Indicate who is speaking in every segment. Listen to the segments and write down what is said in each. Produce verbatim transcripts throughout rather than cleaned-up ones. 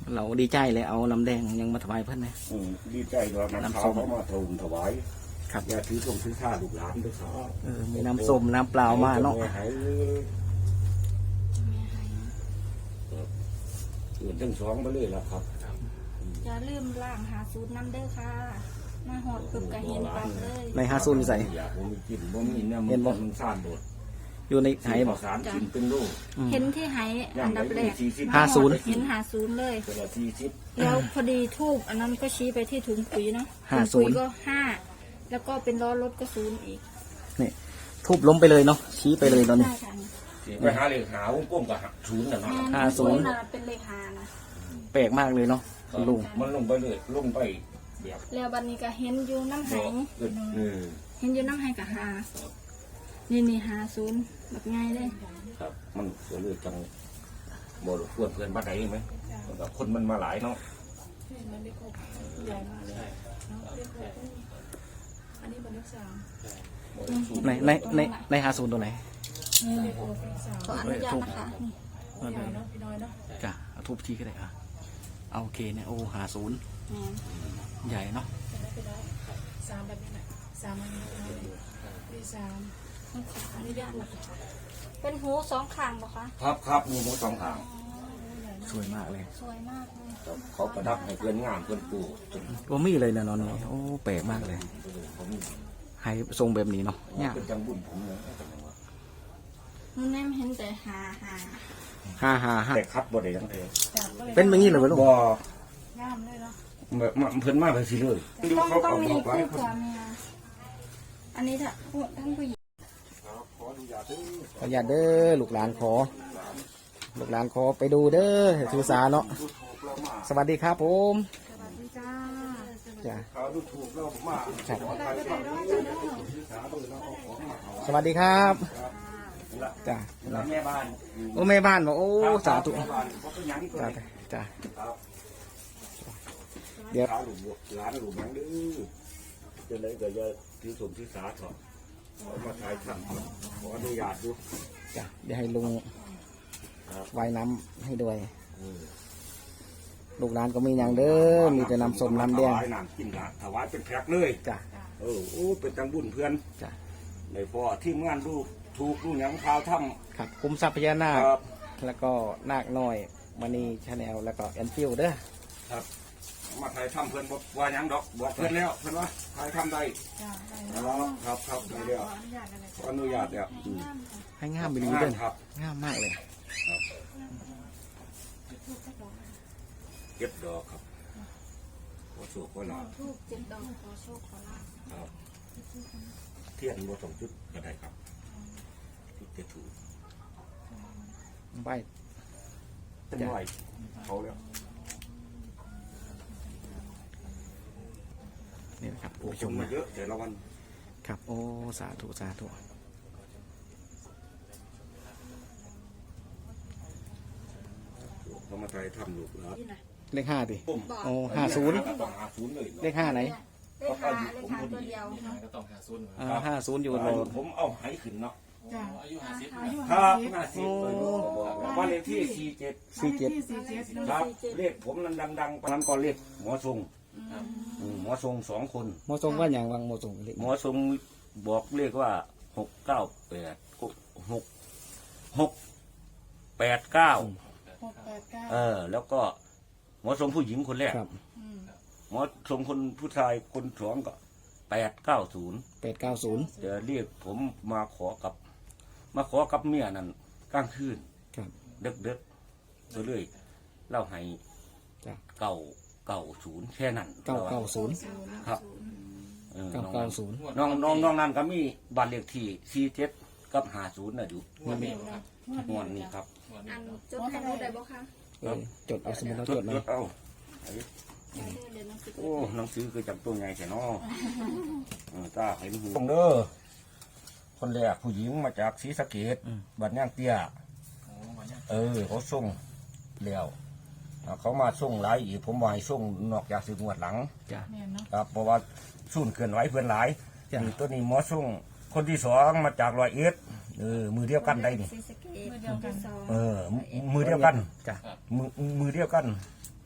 Speaker 1: เราดีใจเลยเอาน้ำแดงยังมาถวายเพื่อนนะ
Speaker 2: อืมดีใจด้วยน้ำส้มเขามาทูลถวาย
Speaker 1: ครับ
Speaker 2: อย่าถือส่งถือข้าลูกหลานด้วยครับ
Speaker 1: เออมีน้ำส้มน้ำเปล่ามาเนาะ
Speaker 2: ให้เกิดทั้งสองไปเลยแล้วครับ
Speaker 3: อย่าลืมล่างหาสูตรน้ำเด้อค่ะมาหอดปึกกะเห็นปั๊บเลย
Speaker 1: ในฮาซุนใส่
Speaker 2: อยากผมมีกินผมมีเนี่ย
Speaker 1: เห็นบ่
Speaker 2: มันซ่านบด
Speaker 1: อยู่ในไห
Speaker 2: ให้
Speaker 1: บบ อ
Speaker 2: อก กสารกินเป็นลูก
Speaker 3: เห็นที่ไหอันดับแรก
Speaker 1: ห้าศูนย์
Speaker 3: เห็นหาศูนย์เลย
Speaker 2: ตัวละสี่สิบ
Speaker 3: แล้วพอดีทูบอันนั้นก็ชี้ไปที่ถุงปุ๋ยเนาะ
Speaker 1: ห้า
Speaker 3: ถุง
Speaker 1: ศู
Speaker 3: ปุ๋
Speaker 1: น
Speaker 3: ย
Speaker 1: ย์
Speaker 3: ก็ห้าแล้วก็เป็นล้อรถก็ศูนย์อีก
Speaker 1: นี่ทุบล้มไปเลยเนาะชี้ไปเลยตอนนี้
Speaker 3: ใช่ค่ะ
Speaker 2: ไปหาเลยหาวงกลมกับศูนย์น่ะเนาะ
Speaker 1: ห้าศูนย์
Speaker 3: เป็นเลขหานะ
Speaker 1: แปลกมากเลยเนาะคุณลุง
Speaker 2: มันลงไปเลยลงไปแบบ
Speaker 3: แล้วบัดนี้ก็เห็นอยู่น้ำไห
Speaker 2: เออเออ
Speaker 3: เห็นอยู่น้ำไหกับหานี่นี่หาศูนย์แบบง่ายเลย
Speaker 2: ครับมันก็เลยจังบ่รบกวนเพื่อนบ้านใดไหมแบบคนมันมาหลายเนาะ
Speaker 1: ในในในในฮาซูนตัวไหน
Speaker 3: ขออนุญาตนะคะนี่
Speaker 1: จ้ะเอาทุบที่ก็ได้อ่ะเอาโอเคเนี่ยโอ้หาศูนย์
Speaker 3: แม่น
Speaker 1: ใหญ่เนาะ
Speaker 4: สามแบบนี้แหละสามอันนี้มีสาม
Speaker 3: ขออนุญาตนะคะเป็นหูสองข้างปะคะ
Speaker 2: ครับครับมีหมูสองทาง
Speaker 1: สวยมากเลย
Speaker 3: สวยมากเลย
Speaker 2: เขาประดับให้เพื่อนงามเพื่อนปลูกจน
Speaker 1: ว่ามีเลยนะนอนนี่โอ้แปลกมากเลย
Speaker 2: ผม
Speaker 1: ให้ทรงแบบนี้เนาะเนี่ย
Speaker 2: เป็นจังบุญผมเลย
Speaker 3: นุ่นแนมเห็นแต่หาหา
Speaker 1: ห้าห้าห้า
Speaker 2: แต่คัดบ่ได้ทั้งเอง
Speaker 1: เป็นแบบนี้เลยวะลุง
Speaker 2: บ่
Speaker 4: งามเลยเนาะ
Speaker 2: แบบมาเพิ่นมาไปสิเลย
Speaker 3: ต้อง
Speaker 2: เขา
Speaker 3: ต้อง
Speaker 2: เอา
Speaker 3: มี
Speaker 2: บอกไว้
Speaker 3: คู่ผัวเมียอันนี้ถ้าท่านผู้หญิง
Speaker 2: ขออนุญาตเด้อ
Speaker 1: ขออนุญาตเด้อลูกหลานขอ ลูกหลานขอไปดูเด้อถือสาเนาะสวัสดีครับผม
Speaker 4: สวัสดีจ้า
Speaker 1: จ้ะ
Speaker 2: เขาดูถูกเราผมมา
Speaker 1: ครับ
Speaker 4: อะไรก็ได้ร้อยจ้าเด้อ
Speaker 2: ศึกษาดูแล้วเขาของมาเอา
Speaker 1: สวัสดีครับ
Speaker 2: ละ
Speaker 1: จ้ะ
Speaker 2: ละแม่บ้าน
Speaker 1: โอ้แม่บ้านบอกโอ้สาธุ
Speaker 2: แม่บ้านเขาก็ยังอีกเล
Speaker 1: จ้ะ
Speaker 2: ย
Speaker 1: จ้ะ
Speaker 2: ครับ
Speaker 1: เดี๋ยว
Speaker 2: ขาหลุมร้านหลุมยังดื้อจะเลยก็จะถือสมถือสาเถอะขอมาถ่ายทำขออนุญาตดู
Speaker 1: จ้ะเดี๋ยวให้ลุง
Speaker 2: ครับ
Speaker 1: ไว้น้ำให้ด้วย
Speaker 2: เออ
Speaker 1: ลูกหลานก็มีอย่างเด้อมีแต่น้ำส้มน้ำแดง
Speaker 2: ถวายน้ำกินละถวายเป็นแพ็คเลย
Speaker 1: จ้ะ
Speaker 2: เออโอ้เป็นจังบุญเพื่อน
Speaker 1: จ้ะ
Speaker 2: ในพ่อที่งานดูถูกดูหยังข่าวท
Speaker 1: ครับคุ้มทรัพย์พญานา
Speaker 2: ำ
Speaker 1: ค
Speaker 2: ครับ
Speaker 1: แล้วก็นาคน้อยมณีชาแนลแล้วก็แอนฟิลเด้อ
Speaker 2: ครับมาถ่ายทำเพื่อนบอกว่าหยังดอกบอกเพื่อนแล้วเพื่อนว่าถ่ายทำได้
Speaker 4: จ้าได้
Speaker 2: ครับครับครับได้แล้ว
Speaker 4: ขออนุญาตอะไร
Speaker 2: ขออนุญาตแล้วอืม
Speaker 1: ให้งามไปเลยเด้อ
Speaker 2: ครับ
Speaker 1: งามมากเลย
Speaker 2: เก็บดอกครับขอสู้ขอลาบ
Speaker 3: ทูบเจ็ดดอกขอโชคขอลาภ
Speaker 2: ครับเทียนบัวสองจุดก็ได้ครับจุดจะถูก
Speaker 1: ใบ
Speaker 2: เป็นไหวเขาแล้ว
Speaker 1: นี่นะครับ
Speaker 2: โอ้
Speaker 1: ผู้
Speaker 2: ช
Speaker 1: ช
Speaker 2: ม
Speaker 1: ม
Speaker 2: มา
Speaker 1: นะ
Speaker 2: เยอะแต่ละวัน
Speaker 1: ครับ โอ้สาธุสาธุ
Speaker 2: เขามาถ่ายทำลูกแล้ว
Speaker 1: เลขห้าดิ
Speaker 2: ปุ้ม
Speaker 1: โอ้ห้าศูนย์
Speaker 2: ต้องหาศูนย์เลย
Speaker 1: เลขห้าไหน
Speaker 3: เลขหาเลขหาตัวเดียว
Speaker 1: อ่าห้าศูนย์อยู่
Speaker 2: อา
Speaker 1: โล
Speaker 2: ยุผมเอาให้ขึ้นเนาะ
Speaker 4: จ้า
Speaker 5: อายุห้าสิบ
Speaker 4: อายุ
Speaker 2: ค
Speaker 4: ห้า
Speaker 2: รับ
Speaker 4: สิบ
Speaker 2: ห้าสิบเลยบอกวันเลขที่สี่เจ็ด
Speaker 1: สี่เจ็ด
Speaker 4: ที่สี่เจ็ด
Speaker 2: ครับเลขผมนั้นดังๆปนั้นก็เลขหมอทรงอืมหมอทรงสองคน
Speaker 1: หมอทรงว่าอย่างวังหมอทรงเลข
Speaker 2: หมอทรงบอกเลขว่าหกเก้าแปดหกหกแปดเก้า
Speaker 4: หกแปดเก้า
Speaker 2: เออ แล้วก็หมอทรงผู้หญิงคนแรก
Speaker 1: ครับ
Speaker 2: หมอทรงคนผู้ชายคนสองก็แปดเก้าศูนย์
Speaker 1: แปดเก้าศูนย์
Speaker 2: จะเรียกผมมาขอกับ มาขอกับเมียนั่นกลางคืน
Speaker 1: ครับ
Speaker 2: เด็กเด็กๆตัวเลยเล่าให้
Speaker 1: จ้ะ
Speaker 2: เก่าเก่าศูนย์แค่นั้น
Speaker 1: เก้าเก้าศูนย์
Speaker 2: ครับออ
Speaker 1: เก้า
Speaker 2: น้อง
Speaker 1: เก้าศูนย์
Speaker 2: น้องน้องน้องนั่นก็มีบัตรเลขที่สี่เจ็ดกับหาศูนย์น่ะอยู่
Speaker 1: นี่มี
Speaker 2: งวดนี้ครับ
Speaker 3: อันจดให้รู้ได้บ่คะ
Speaker 1: เออจดเอาสมุดเรา
Speaker 2: จ
Speaker 1: จ
Speaker 2: ด
Speaker 1: ดไหม
Speaker 2: จดเอา
Speaker 3: เดี๋ยวเดี๋ยวน้องสิ
Speaker 2: โอ้หนังสือคือจำตัวไงแค่นอเออตาเห็นหูเด้อคนแรกผู้หญิงมาจากศรีสะเกษบัดย่างเตี้ย เออเขาส่งแล้วอ่าเขามาส่งหลายอีกผมว่าให้ส่งนอกจากสิบงวดหลัง
Speaker 1: จ้ะ
Speaker 4: แม่นเนาะ
Speaker 2: ครับเพราะว่าสุ่นเกินไหวเพื่อนหลาย
Speaker 1: จ้ะ
Speaker 2: นี่ตัวนี้หมอส่งคนที่สองมาจากรอยเอ็ดเออมือเดียวกันได้นี่
Speaker 3: ศรีสะเกษมือเดียวกันสอง
Speaker 2: เออมือมือเดียวกัน
Speaker 1: จ้ะ
Speaker 2: มือมือเดียวกัน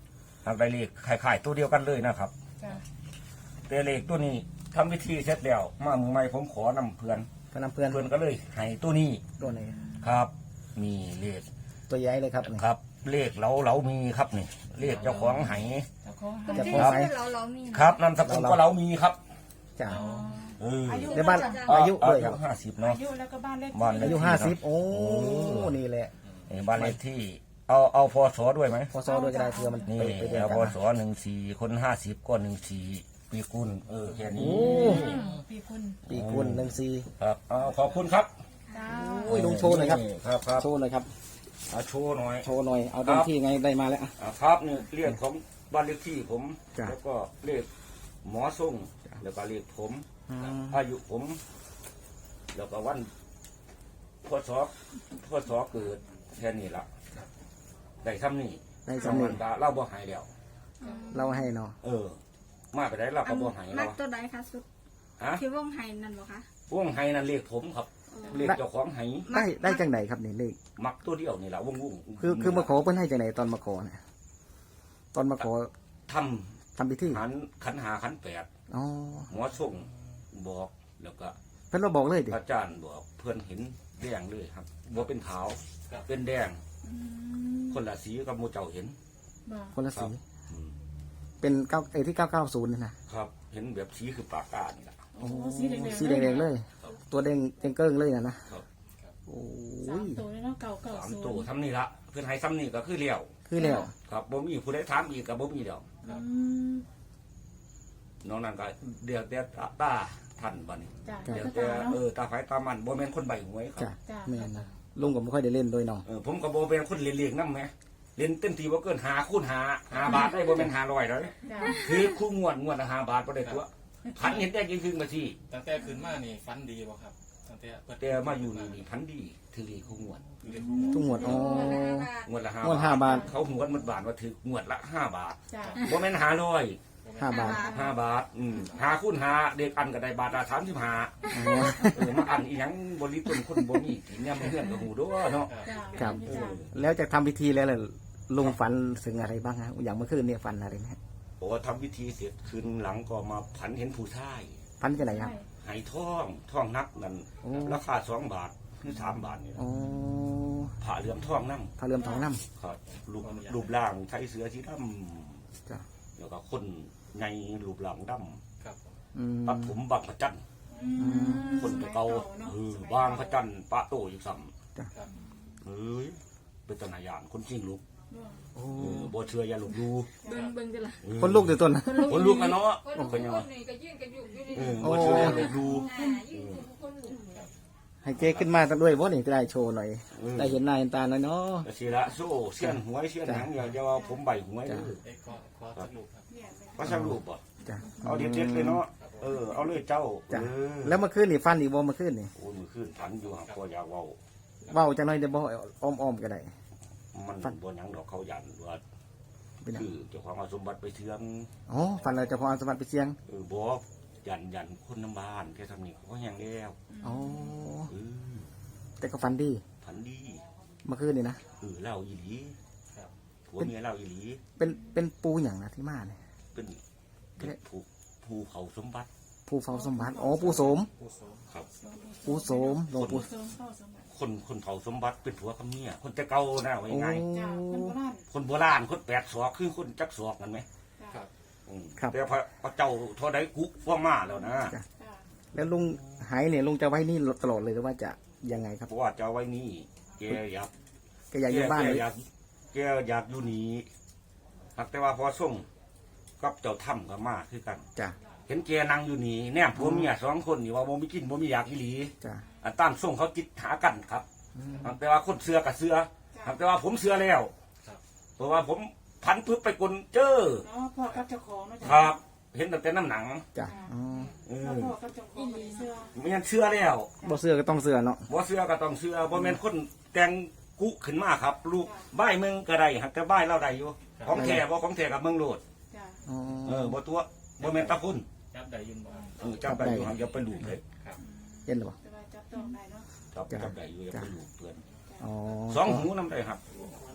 Speaker 2: หากได้เลขคล้ายๆตัวเดียวกันเลยนะครับ
Speaker 4: จ้ะ
Speaker 2: แต่เลขตัวนี้ทำวิธีเสร็จแล้วมามือใหม่ผมขอนำเพื่อน
Speaker 1: ก็นำเพื่อน
Speaker 2: เพื่อนก็เลยให้ตัวนี้
Speaker 1: ตัวไหน
Speaker 2: ครับมีเลข
Speaker 1: ตัวใหญ่เลยครับนี่
Speaker 2: ครับ เลขเราเรามีครับนี่เลขเจ้าของไห
Speaker 4: เจ้าของ
Speaker 3: คน
Speaker 4: หา
Speaker 3: ที่
Speaker 1: จะพอไหม
Speaker 3: ชื่อเราเรามี
Speaker 2: ครับนามสกุลก็เรามีครับ
Speaker 1: จ้ะ
Speaker 2: เออ
Speaker 4: อายุ
Speaker 1: ในบ้าน
Speaker 4: จ้ะ
Speaker 1: อายุด้วย
Speaker 2: อา
Speaker 1: ค
Speaker 2: ยุ
Speaker 1: รับ
Speaker 2: ห้าสิบเนาะ
Speaker 4: อายุแล้วก็บ้านเลข
Speaker 2: บ้านเล
Speaker 1: อา
Speaker 2: ข
Speaker 1: ยุห้าสิบโอ้นี่แหละ
Speaker 2: นี่บ้านเลขที่ เอาเอาพศด้วยไหม
Speaker 1: พอซอด้วยก็ได้เพื่อมัน
Speaker 2: นี่
Speaker 1: ไปไปเดียว
Speaker 2: เอา
Speaker 1: กัน
Speaker 2: พ
Speaker 1: นะ
Speaker 2: ศหนึ่งสี่คนห้าสิบก็หนึ่งสี่ปีกุลเออแค่นี้
Speaker 1: โอ้
Speaker 4: อืมพี่คุณ
Speaker 1: ปีกุลหนึ่งสี่
Speaker 2: ครับเอาขอบคุณครับ
Speaker 4: จ้า
Speaker 1: โอ้ยลุงโชว์หน่อยครับ
Speaker 2: ครับครับ
Speaker 1: โชว์หน่อยครับ
Speaker 2: เอาโชว์หน่อย
Speaker 1: โชว์หน่อยเอาเต็มที่ไงได้มาแล้วอ่ะ
Speaker 2: อ่าครับนี่เรียกของบ้านเลขที่ผม
Speaker 1: จ้ะ
Speaker 2: แล้วก็เลขหมอส่งแล้วก็เลขผม
Speaker 1: อืม
Speaker 2: อายุผม แล้วก็วันพศพศเกิดแค่นี้ละได้ซ้ำนี่
Speaker 1: ได้สำเร็จ
Speaker 2: มันก็เล่าบ่หายแล้ว
Speaker 1: เราให้เนาะ
Speaker 2: เออ มาไปได้เรา
Speaker 3: อั
Speaker 2: ก็
Speaker 3: น
Speaker 2: บ่หาย
Speaker 3: มั
Speaker 2: แล้
Speaker 3: ก
Speaker 2: ว
Speaker 3: ตัวใดคะสุด
Speaker 2: ฮะ
Speaker 3: ที่วงไห้นั่นบ่คะ
Speaker 2: วงไห้นั่นเลขผมครับเลขเจ้าของไห้
Speaker 1: ได้ได้จังไหนครับนี่เลข
Speaker 2: มักตัวเดียวนี่แหละวงวง
Speaker 1: คือคือมาขอเพิ่นให้จังไหนตอนมาขอเนี่ยตอนมาขอ
Speaker 2: ท
Speaker 1: ทำพิธี
Speaker 2: ำขันขันหาขันแปด
Speaker 1: อ๋อ
Speaker 2: หมอส่งบอกแล้วก็
Speaker 1: เพิ่นมาบอกเลยดิ
Speaker 2: อาจารย์บอกเพื่อนเห็นแดงเลยครับบ่เป็นขาวเป็นแดง
Speaker 3: อืม
Speaker 2: คนละสีกับหมูเจ้าเห็น
Speaker 4: บอก
Speaker 1: คนละสี
Speaker 2: อืม
Speaker 1: เป็นเก้าเอที่เก้าเก้าศูนย์นี่นะครับ
Speaker 2: เห็นแบบสีคือปากกานี่แหละ
Speaker 4: โอ้สีแดงๆ
Speaker 1: สีแดงๆเลย ตัวแดงแดงเกิ้งเลยนะนะครับ โอ้
Speaker 4: สาย มตัวเลยเนาะเก่าเก่า
Speaker 2: สาม
Speaker 4: ศูนย์
Speaker 2: ตัวทำนี่ละเพื่อนให้ซ้ำนี่ก็คือเลี้ยว
Speaker 1: คือแล้ว
Speaker 2: ครับบ่มีผู้ใดถามอีกกับบ่มีเดียว
Speaker 4: อืม
Speaker 2: น้องนั่นก็เดือดแต่ตาท่านบัดนี้
Speaker 4: จ้ะ
Speaker 2: เดือด
Speaker 4: เจ้า
Speaker 2: แต่
Speaker 4: ตาเนาะ
Speaker 2: เออตาไฟตามันบ่แม่นคนใบหวยครั
Speaker 1: จ้ะ
Speaker 2: บ
Speaker 4: จ้ะ
Speaker 1: แม่นนะลุงก็ไม่ค่อยได้เล่นด้วยเนาะ
Speaker 2: เออผมก็บ่เป็นคนเลี้ยงๆนำแหมเล่นเต็มที่บ่เกินหาคูณหาหาบาทได้บ่แม่นห้าร้อยเลย
Speaker 4: จ้ะ
Speaker 2: คือคู่งวดงวดละห้าบาทบ่ได้ตัวพันเห็นได้กินครึ่งมาที
Speaker 5: ตั้งแต่ขึ้นมานี่ฟันดีบ่ครับตั้งแต่เปิด
Speaker 2: แต่มาอยู่นี่นี่พันดีถือเลขคู่งวด
Speaker 5: เรียนรู้
Speaker 1: ทุกหมวดอ๋อ
Speaker 2: งวดละห้าง
Speaker 1: วดห้าบาท
Speaker 2: เขาหวดหมดบาทว่าถืองวดละห้าบาท
Speaker 4: จ้ะ
Speaker 2: บ่แม่นห้าร้อย
Speaker 1: ห้าบาท
Speaker 2: ห้าบาทอืมหาคูณหาเด็กอันก็ได้บาทละสามสิบห้า
Speaker 1: อ๋อ
Speaker 2: เออมาอันอีหยังบริต้นคนบ่มีกินเนี่ยมันเพื่อนกับหูด้วยเนาะ
Speaker 4: จ้ะ
Speaker 1: ครับ
Speaker 4: จ้ะ
Speaker 1: แล้วจากทำพิธีแล้วล่ะลุงฝันถึงอะไรบ้างฮะอย่างเมื่อคืนเนี่ยฝันอะไรไหมฮะ
Speaker 2: บอกว่าทำพิธีเสร็จคืนหลังก็มาผันเห็นผู้ชาย
Speaker 1: ฝันจะไหนครับ
Speaker 2: ไหท่องท่องนักนั่น
Speaker 1: โอ้
Speaker 2: ราคาสองบาทหรือสามบาทนี่
Speaker 1: อ๋อ
Speaker 2: ผ่าเหลื่อมท่องนั่ง
Speaker 1: พระเรือนทองน้
Speaker 2: ครับรูปรูปร่างใช้เสือสีด
Speaker 1: ำจ้ะ
Speaker 2: ำแล้วก็คนในรูปร่างดำ
Speaker 5: ครับผม
Speaker 1: อืม
Speaker 2: ตัดผมบางพระจันทร์
Speaker 4: อืม
Speaker 2: คนตัวเก่า
Speaker 4: เนาะ
Speaker 2: เออ
Speaker 4: สมัย
Speaker 2: บางพระจันทร์ปะโตอยู่ซ้
Speaker 5: ครับ
Speaker 2: ำเอ้ยเป็นตนายานคนจริงลูก
Speaker 1: โอ้
Speaker 2: เออบ่เชื่ออย่าลบดู
Speaker 3: เบิ่งเบิ่งจ้ะล่ะ
Speaker 1: คนลูกตัวต้นนะ
Speaker 2: คนลูกกันเนาะ
Speaker 6: คน
Speaker 2: เป็นยังไง
Speaker 6: นี่ก็ยื่นกันอยู่อยู่นี่
Speaker 2: เออบ่เชื่ออย่าลบดู
Speaker 6: อ่ายื่นคนหลุม
Speaker 1: ให้เจ๊ขึ้นมาตั้งด้วยว่านี่จะได้โชว์หน่อย
Speaker 2: เออ
Speaker 1: ได้เห็นหน้าเห็นตาหน่อยเนาะ
Speaker 2: ก็สิละโซ่เสี้ยนหวยเสี้ยนหยังอย่าอย่าว่าผมใบหวยเด้อ
Speaker 5: เอ้ยขอขอสักลูกครับ
Speaker 2: ก็ช่างรูปบ่
Speaker 1: จ้ะ
Speaker 2: เอาเด็ดๆเลยเนาะเออเอาเลยเจ้า
Speaker 1: จ้ะ
Speaker 2: เออ
Speaker 1: แล้วเมื่อคืนนี่ฟันอีกบ่เมื่อคืนนี่
Speaker 2: โอ้ยมือขึ้นพันอยู่ครับก็อยากเว้า
Speaker 1: เว้าจังหน่อยเดี๋ยวบ่อ้อมๆก็ได้
Speaker 2: มันบ่หยังดอกเขายันว่า
Speaker 1: เป็นหยัง
Speaker 2: คือเจ้าของเอาสมบัติไปเชื่อง
Speaker 1: อ๋อฟันเราจะพอเอาสมบัติไปเสียง
Speaker 2: เออบ่ยันยันคนน้ำบ้านแค่ทำนี้เขาก็แห้งแล้ว
Speaker 1: อ๋อ
Speaker 2: เออ
Speaker 1: แต่ก็ฟันดี
Speaker 2: พันดี
Speaker 1: เมื่อคืนนี่นะ
Speaker 2: เออเล่าอีหลี
Speaker 5: ครับ
Speaker 2: ผัวเมียเล่าอีหลี
Speaker 1: เป็นเป็นปูอย่างนะที่มาเนี่ย
Speaker 2: เป็นเป็นภูภูเขาสมบัติ
Speaker 1: ปูเฝ้าสมบัติอ๋อปูโสม
Speaker 5: ผู้โสม
Speaker 2: ครับ
Speaker 1: ปูโสมหลวงปู่
Speaker 4: เสริมเข้าสมัย
Speaker 2: คนคนเผาสมบัติเป็นผัวกับเมียคนแต่เก่านะว่า
Speaker 1: โอ้
Speaker 2: ง่าย
Speaker 4: จ้ะคนโบราณ
Speaker 2: ๆคนโบราณคนแปดศอกคือคนจักศอกกันไหม
Speaker 5: ครับ
Speaker 2: อืม
Speaker 1: ครับ
Speaker 2: แต่พระพระเจ้าทอได้กุฟ้ามาแล้วนะ
Speaker 1: จ้ะ
Speaker 4: จ้ะ
Speaker 1: แล้วลุงหายเนี่ยลุงจะไว้นี่ตลอดเลยหรือว่าจะยังไงครับ
Speaker 2: เพราะว่าจะเอาไว้นี่แกอยาก
Speaker 1: แกอยากอยู่บ้าน
Speaker 2: แก
Speaker 1: เลย
Speaker 2: อยากแกอยากอยู่นี่หากแต่ว่าพอส่งกับเจ้าถ้ำกับมาคือกัน
Speaker 1: จ้ะ
Speaker 2: เห็นแกนั่งอยู่นี่แนมผัวเมียสองคนนี่ว่าบ่มีกินบ่มีอยากอีหลี
Speaker 1: จ้ะ
Speaker 2: อันตามส่งเขาจิตหากันครับ
Speaker 1: อืม
Speaker 2: หากแต่ว่าคนเสือกับเสือหากแต่ว่าผมเสือแล้วเพราะว่าผมพันปึ๊บไปกลเจอ
Speaker 4: เนาะพ่อกับเจ้าของเนาะจ้ะ
Speaker 2: ครับ เห็นตั้งแต่น้ำหนัง
Speaker 1: จ้ะอ๋อ
Speaker 2: เอ
Speaker 4: แล้ว
Speaker 2: อ
Speaker 4: พ่อกับเจ้าของมีเสื้อ
Speaker 2: ไม่งั้นเชื่อแล้ว
Speaker 1: บ่เสื้อก็ต้องเสื้อเนาะ
Speaker 2: บ่เชื่อก็ต้องเชื่อบ่แม่นคนแต่งกุขึ้นมาครับ ลูกบ้ายเมืองก็ได้หักแต่บ้ายเราได้อยู่ของแท้บ่ของแท้กับเมืองโลด
Speaker 4: จ้ะ
Speaker 1: อ๋อ
Speaker 2: เออบ่ตัวบ่แม่นตะคุณ
Speaker 5: ยับใดยืนบ่
Speaker 2: เออจับได้อยู่หักอย่าไปลูบเลย
Speaker 1: เห็นหรือเปล่า
Speaker 4: แต่ว่าจับต้องได้เนาะ
Speaker 2: จับจับได้อยู่อย่าไปลูบเพื่อน
Speaker 1: อ๋อ
Speaker 2: สองหูนำได้ครับ
Speaker 4: จ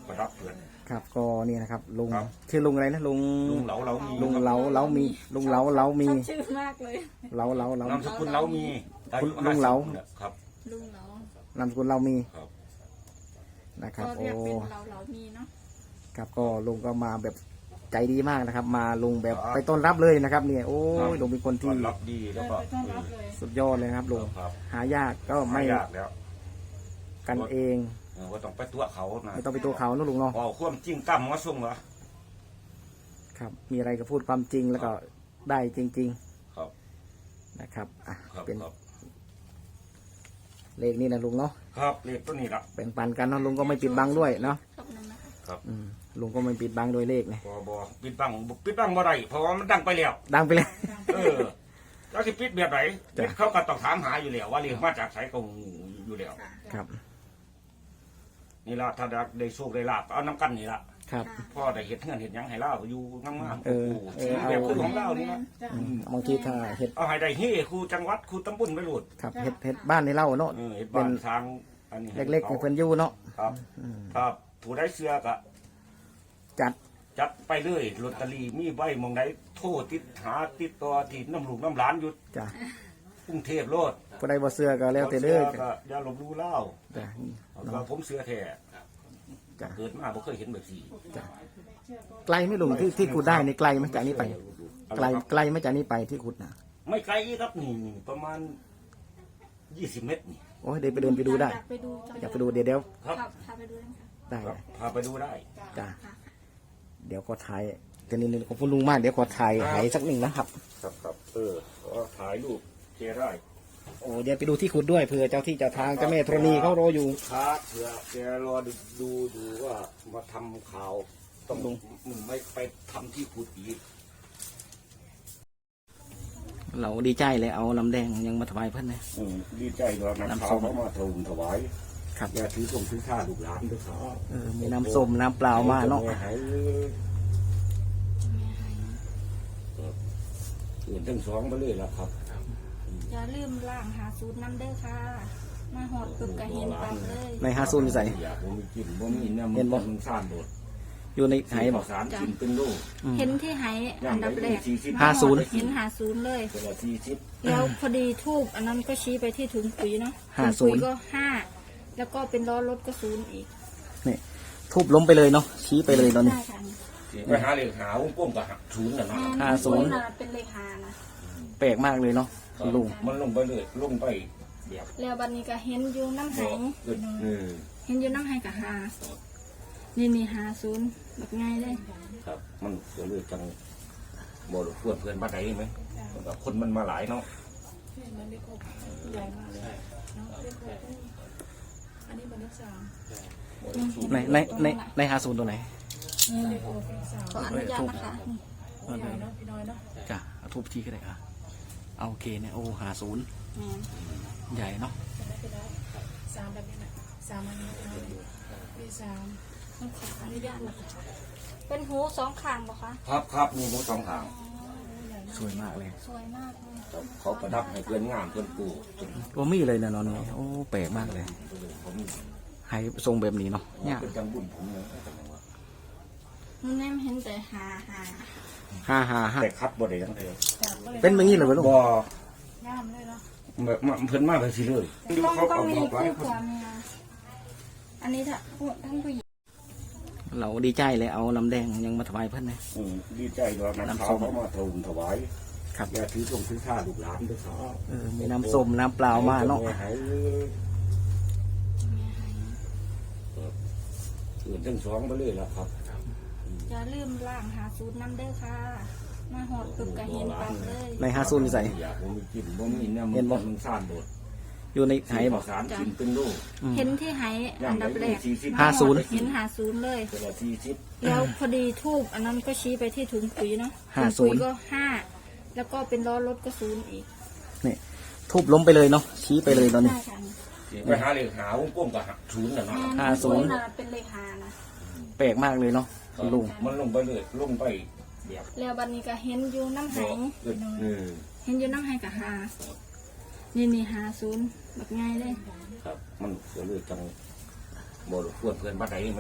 Speaker 2: ประดับเพื่อน
Speaker 1: ครับก็นี่นะครับลุง
Speaker 2: ครับ
Speaker 1: ชื่อลุงอะไรนะลุง
Speaker 2: ลุงเหลาเหลามี
Speaker 1: ลุงเหลาเหลามีลุงเหลาเหลามี
Speaker 3: ชอบชื่อมากเลย
Speaker 1: เหลาเหลาเหลาน
Speaker 2: ามสกุลเหลามีอายุ
Speaker 1: ลุงเหลา
Speaker 2: ห้สิบครับ
Speaker 3: ลุงเหลาน
Speaker 1: ามสกุลเรามี
Speaker 2: ครับ
Speaker 1: นะครับ
Speaker 3: ก็
Speaker 1: โอ้
Speaker 3: เรียกเป็นเหลาเหลามีเนาะ
Speaker 1: ครับก็ลุงก็มาแบบใจดีมากนะครับ มาลุงแบบไปต้อนรับเลยนะครับเนี่ยโอ้ยลุงเป็นคน
Speaker 2: ต้
Speaker 1: ที่
Speaker 2: อนรับดีแล้วก็
Speaker 4: ไปต้อนรับเลย
Speaker 1: สุดยอดเลยนะครับลุง
Speaker 2: ครับ
Speaker 1: หายากก็
Speaker 2: ไม่
Speaker 1: ไม่
Speaker 2: ยากแล้ว
Speaker 1: กันเอง
Speaker 2: เออว่าต้องไปตัวเขานะ
Speaker 1: ไม่ต้องไปตัวเขานะลุงเนาะ
Speaker 2: พอความจริงตั้มมาส่งเหรอ
Speaker 1: ครับ มีอะไรก็พูดความจริงแล้วก็ได้จริง
Speaker 2: ครับ
Speaker 1: ๆนะครับอ่ะ
Speaker 2: ครับ
Speaker 1: เป็น
Speaker 2: ครับ
Speaker 1: เลขนี่นะลุงเนาะ
Speaker 2: ครับเลขตัวนี้ละ
Speaker 1: แบ่งปันกันเนาะลุงก็ไม่ปิดบังด้วยเนาะ
Speaker 3: ขอบคุณนะคะ
Speaker 2: ครับ
Speaker 1: อืมลุงก็ไม่ปิดบังโดยเลขเนี่ย
Speaker 2: บอบอปิดบังบ่ปิดบังบ่ได้เพราะว่ามันดังไปแล้ว
Speaker 1: ดังไปเลย
Speaker 2: เออเจ้าสิปิดแบบไหน
Speaker 1: จ้ะ
Speaker 2: ปิดเขาก็ต้องถามหาอยู่แล้วว่าเรียกมาจากไสก็อยู่แล้ว
Speaker 1: ครับ
Speaker 2: นี่ละถ้าได้โชคได้ลาบเอาน้ำกันนี่ละ
Speaker 1: ครับ
Speaker 2: พ่อได้เห็ดเงินเห็ดหยังให้เล่าอยู่งามๆ
Speaker 1: เออเออ
Speaker 2: แบบ
Speaker 1: เอา
Speaker 2: คือของเล่านี่นะ
Speaker 1: อืมบางทีถ้าเห็ด
Speaker 2: เอาให้ได้เฮ้ครูจังหวัดครูตำบลไปโหลด
Speaker 1: ครับเห็ดเห็ดบ้านในเล่าเนาะ
Speaker 2: เออเห็ด
Speaker 1: เป็
Speaker 2: บ้าน นทางอันนี้ให้
Speaker 1: เล็กๆให้เพิ่นอยู่เนาะ
Speaker 2: ครับ
Speaker 1: อืม
Speaker 2: ถ้าผู้ได้เสื้อก็
Speaker 1: จัด
Speaker 2: จัดไปเลยลอตเตอรี่มีใบหมองใดโทษติดหาติดต่อที่น้ำลูกน้ำหลานอยู่
Speaker 1: จ้ะ
Speaker 2: กรุงเทพโลด
Speaker 1: ผู้ใดบ่เสื้อก็แล้วแต่เด้อ
Speaker 2: สื้ก็อย่าลบลู่เล่า
Speaker 1: จ้ะนี่
Speaker 2: เอา
Speaker 1: เนาะ
Speaker 2: ว่าผมเสื้อแท้
Speaker 1: จ้ะ
Speaker 2: เกิดมาบ่เคยเห็นแบบนี้
Speaker 1: จ้ะไกลไหม่ลุงที่ที่ขุดได้ในไกลไหมจากนี้ไป ไกลไกลไหม่จากนี้ไปที่ขุดนะ
Speaker 2: ไม่ไกลครับนี่นี่ประมาณยี่สิบเมตรนี่
Speaker 1: โอ้ยเดี๋ยวไปเดินไปดูได้
Speaker 3: อยากไปดูจัง
Speaker 1: อยากไปดูเดี๋ยวเดี๋ยว
Speaker 2: ครับ
Speaker 3: ครับพาไปดูนะคะ
Speaker 1: ได้
Speaker 2: ครับพาไปดูได้
Speaker 1: จ้ะเดี๋ยวก็ถ่ายเดี๋ยวนี้ขอบคุณลุงมากเดี๋ยวขอถ่ายไหสักหนึ่งนะครับ
Speaker 2: ครับครับเออก็ถ่ายรูปเคได้
Speaker 1: โอ้เดี๋ยวไปดูที่ขุดด้วยเผื่อเจ้าที่เจ้าทางเจ้าแม่ธรณีเขารออยู่
Speaker 2: ครับเผื่อแกรอดูดูดูว่ามาทำข่าวต้องมึงไม่ไปทำที่ขุดอีก
Speaker 1: เราดีใจเลยเอาน้ำแดงยังมาถวายเพื่อนนะ
Speaker 2: อืมดีใจด้วยนะ
Speaker 1: น้ำส้
Speaker 2: เขา
Speaker 1: ม
Speaker 2: เขามาถวถวาย
Speaker 1: ครับ
Speaker 2: อย่าถือตรงถือข้าลูกหลานด้วยครับ
Speaker 1: เออมีน้ำส้มน้ำเปล่ามาเนาะ
Speaker 2: หายอื่นทั้งสองไปเลยละครับ
Speaker 3: อย่าลืมล่างหาสูตรน้ำเด้อค่ะ มาหอดปึ๊บก็เห็นปั๊บเลย
Speaker 1: ในฮาซูนใส่
Speaker 2: อยากผมมีกินผมมีเนี่ย
Speaker 1: เห็นบ่
Speaker 2: มันซ่านโดด
Speaker 1: อยู่ในไห
Speaker 2: ให้
Speaker 1: บบ อ
Speaker 2: อก กสารกินเป็นลูก
Speaker 3: เห็นที่ไหอันดับแรก
Speaker 1: ห้าศูนย์
Speaker 3: เห็นหาศูนย์เลย
Speaker 2: เวลาสี่สิบ
Speaker 3: แล้วพอดีทูบอันนั้นก็ชี้ไปที่ถุงปุ๋ยเนาะ
Speaker 1: ห้า
Speaker 3: ถุงปุ๋ย
Speaker 1: ศูนย์
Speaker 3: ก็ห้าแล้วก็เป็นล้อรถก็ศูนย์อีก
Speaker 1: นี่ทุบล้มไปเลยเนาะชี้ไปเลยตอนนี้
Speaker 3: ใช่ค่ะ
Speaker 2: ไปหาเหล็กหาวงกลมกับหักศูนย์น่ะเนาะ
Speaker 1: ห้าศูนย์
Speaker 3: ะเป็นเลขหานะ
Speaker 1: แปลกมากเลยเนาะคุณลุง
Speaker 2: มันลงไปเลยลงไปแบบ
Speaker 3: แล้วบัดนี้ก็เห็นอยู่น้ำไห
Speaker 2: เออ
Speaker 3: เห็นอยู่น้ำไหกับหานี่นี่หาศูนย์แบบง่ายเลย
Speaker 2: ครับ มันก็เลยจังบ่รบกวนเพื่อนบ้านใดไหมแบบคนมันมาหลายเนาะ
Speaker 4: มันเลขหกใหญ่มากเลยเนาะเลขหกอันนี้มันเลขสาม
Speaker 1: ในในในในฮาซูนตัวไหน
Speaker 4: เลขหกเลขสาม
Speaker 3: ขออนุญาตนะคะนี่
Speaker 4: ใหญ่เนาะพี่น้อยเนาะ
Speaker 1: จ้ะเอาทุบชี้ก็ได้อ่ะเอาโอเคเนี่ยโอ้หาศูนย์
Speaker 3: แม่น
Speaker 1: ใหญ่เนาะ
Speaker 4: จะได้ไปได้สามแบบนี้แหละสามอันนี้พี่น้อยเลขสาม
Speaker 3: ต้องขออนุญาตนะคะเป็นหูสองข้างบ่คะ
Speaker 2: ครับครับมีหมูสองทาง
Speaker 1: สวยมากเลย
Speaker 3: สวยมากเลย
Speaker 2: เขาประดับให้เพื่อนงามเพื่อนปู
Speaker 1: ตัวมีเลยนะนอนนี่โอ้แปลกมากเลย
Speaker 2: ผม
Speaker 1: ให้ทรงแบบนี้เนาะเนี่ย
Speaker 2: เป็นจังบุญผมเลย
Speaker 3: มันแนมเห็นแต่หาหา
Speaker 1: ห้าห้าห้า
Speaker 2: แต่คัดบ่ได้ยังไง
Speaker 1: เป็นแบบนี้เลยเหรอลุง
Speaker 2: บ่
Speaker 4: งามเลยเนาะ
Speaker 2: แบบมาเพิ่นมาแบบสิเลย
Speaker 3: ต้อง
Speaker 2: เขา
Speaker 3: ต้อ
Speaker 2: เอา
Speaker 3: งมี
Speaker 2: บอกไว้
Speaker 3: คู่ผัวเมียอันนี้ถ้าท่านผู้หญิง
Speaker 1: เราดีใจเลยเอาน้ำแดงยังมาถวายเพื่อนนะ
Speaker 2: อืมดีใจด้วยนะ
Speaker 1: น้ำส้
Speaker 2: เขา
Speaker 1: ม
Speaker 2: เขามาถวถวาย
Speaker 1: ครับ
Speaker 2: อย่าถือตรงถือข้าลูกหลานด้วยครับ
Speaker 1: เออมีน้ำส้มน้ำเปล่ามาเนาะ
Speaker 2: หายอื่นทั้งสองไปเลยละครับ
Speaker 3: อย่าลืมล่างหาสูตรน้ำเด้อค่ะ มาหอดปึ๊บก็เห็นปั๊บเลย
Speaker 1: ในฮาซูนใส่
Speaker 2: อยากผมมีกินผมมีเนี่ย
Speaker 1: เห็นบ่
Speaker 2: มันซ่านโดด
Speaker 1: อยู่ในไห
Speaker 2: ให้
Speaker 1: บบ อ
Speaker 2: อก กสารกินเป็นลูก
Speaker 3: เห็นที่ไหอันดับแรก
Speaker 1: ห้าศูนย์
Speaker 3: เห็นหาศูนย์เลย
Speaker 2: เวลาสี่สิบ
Speaker 3: แล้วพอดีทูบอันนั้นก็ชี้ไปที่ถุงปุ๋ยเนาะ
Speaker 1: ห้า
Speaker 3: ถุงปุ๋ย
Speaker 1: ศูนย์
Speaker 3: ก็ห้าแล้วก็เป็นล้อรถก็ศูนย์อีก
Speaker 1: นี่ทุบล้มไปเลยเนาะชี้ไปเลยตอนนี้
Speaker 3: ใช่ค่ะ
Speaker 2: ไปหาเหล็กหาวงกลมกับหักศูนย์น่ะเนาะ
Speaker 1: ห้าศูนย์
Speaker 3: ะเป็นเลขหานะ
Speaker 1: แปลกมากเลยเนาะคุณลุง
Speaker 2: มันลงไปเลยลงไปแบบ
Speaker 3: แล้วบัดนี้ก็เห็นอยู่น้ำไห
Speaker 2: เออ
Speaker 3: เห็นอยู่น้ำไหกับหานี่นี่หาศูนย์แบบง่ายเลย
Speaker 2: ครับ มันก็เลยจังบ่รบกวนเพื่อนบ้านใดไหม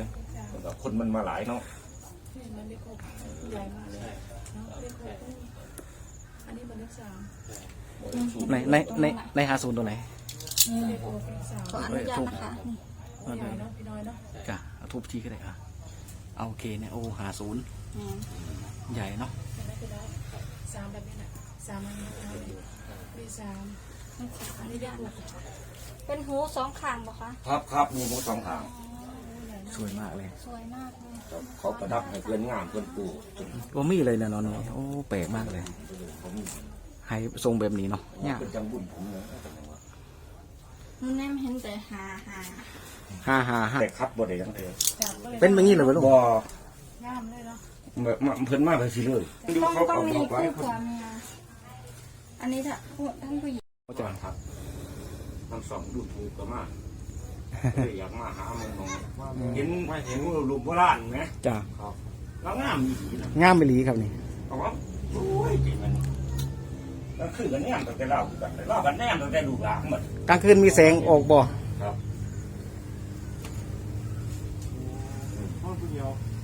Speaker 2: แล้วก็คนมันมาหลายเนาะ
Speaker 4: นี่มันเลขหกใหญ่มากเลยเนาะเลขหกอันนี้มันเลขสาม
Speaker 1: ในในในในหาศูนย์ตัวไหน
Speaker 4: เลขหกเลขสาม
Speaker 3: ขออนุญาตนะคะนี่
Speaker 4: ใหญ่เนาะพี่น้อยเนาะ
Speaker 1: จ้ะเอาทุบทีก็ได้อ่ะเอาโอเคเนี่ยโอ้หาศูนย์
Speaker 3: แม่น
Speaker 1: ใหญ่เนาะ
Speaker 4: เห็นไหมพี่น้อยสามแบบนี้แหละสามอันนี้เลขสาม
Speaker 3: ขออนุญาตนะคะเป็นหูสองข้างบ่คะ
Speaker 2: ครับครับมีหมดสองทาง
Speaker 1: สวยมากเลย
Speaker 3: สวยมากเลย
Speaker 2: เขาประดับให้เพื่อนงามเพื่อนปู
Speaker 1: โอ้มีเลยนะเนาะนี่โอ้แปลกมากเลย
Speaker 2: เขามี
Speaker 1: ให้ทรงแบบนี้เนาะเนี่ย
Speaker 2: เป็นจังบุญผมเลย
Speaker 3: มันแนมเห็นแต่หาหา
Speaker 1: ห้าห้าห้า
Speaker 2: แต่คัดบ่ได้ยังเดียว
Speaker 4: จับก็เลย
Speaker 1: เป็นแบบนี้เลยเหรอลูก
Speaker 2: บ่
Speaker 4: งามเลยเนาะ
Speaker 2: แบบมาเพิ่นมาไปสิเลยดู
Speaker 3: ต้อง
Speaker 2: เขา
Speaker 3: ต้อ
Speaker 2: เอา
Speaker 3: งมี
Speaker 2: บอกไว้
Speaker 3: คู่ผัวเมียอันนี้ถ้าท่านผู้หญิง
Speaker 2: จานครับทั้งสองดูถูกก็มากเลยอยากมาหามึงมองเห็นเห็นรูปโบราณไหม
Speaker 1: จ้ะ
Speaker 2: ครับแล้วงามดีนะ
Speaker 1: งามไปหลีครับนี่
Speaker 2: เอาว่าโอ้ยจริงมันแล้วคือกันแนมตั้งแต่เล่ากันเล่ากันแนมตั้งแต่ลูกหลานหมด
Speaker 1: กลางคืนมีแสงออกบ่
Speaker 2: ครับ
Speaker 5: ห้องผู้เดียว